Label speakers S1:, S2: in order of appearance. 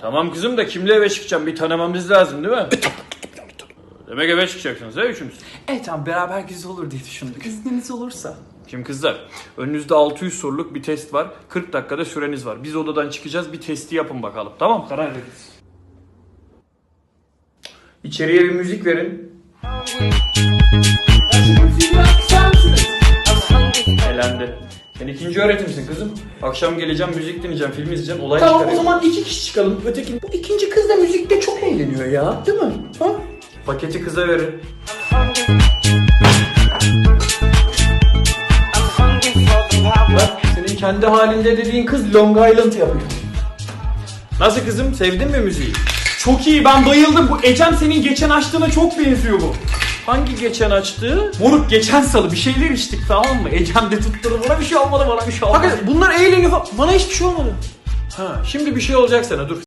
S1: Tamam kızım da kimle eve çıkacağım? Bir tanımamız lazım değil mi? Demek eve çıkacaksınız ha üçünüz.
S2: Evet tamam, beraber güzel olur diye düşündük. İzniniz olursa.
S1: Şimdi kızlar, önünüzde 600 soruluk bir test var. 40 dakikada süreniz var. Biz odadan çıkacağız, bir testi yapın bakalım. Tamam, karar veririz. İçeriye bir müzik verin. Elendi. Sen ikinci öğretimsin kızım. Akşam geleceğim, müzik dinleyeceğim, film izleyeceğim, olay
S2: Tamam
S1: çıkarayım.
S2: o zaman 2 kişi çıkalım. Bu ikinci kız da müzikte çok eğleniyor ya. Değil mi? Ha?
S1: Paketi kıza verin.
S2: Bak senin kendi halinde dediğin kız Long Island yapıyor.
S1: Nasıl kızım, sevdin mi müziği?
S2: Çok iyi, ben bayıldım. Bu Ecem senin geçen açtığına çok benziyor bu.
S1: Hangi geçen açtığı?
S2: Moruk geçen salı bir şeyler içtik, tamam mı? Ecem de tutturdu, bana bir şey olmadı, bana bir şey olmadı.
S1: Hakikaten bunlar eğleniyor. Bana hiçbir şey olmadı. Ha, şimdi bir şey olacak sana, dur.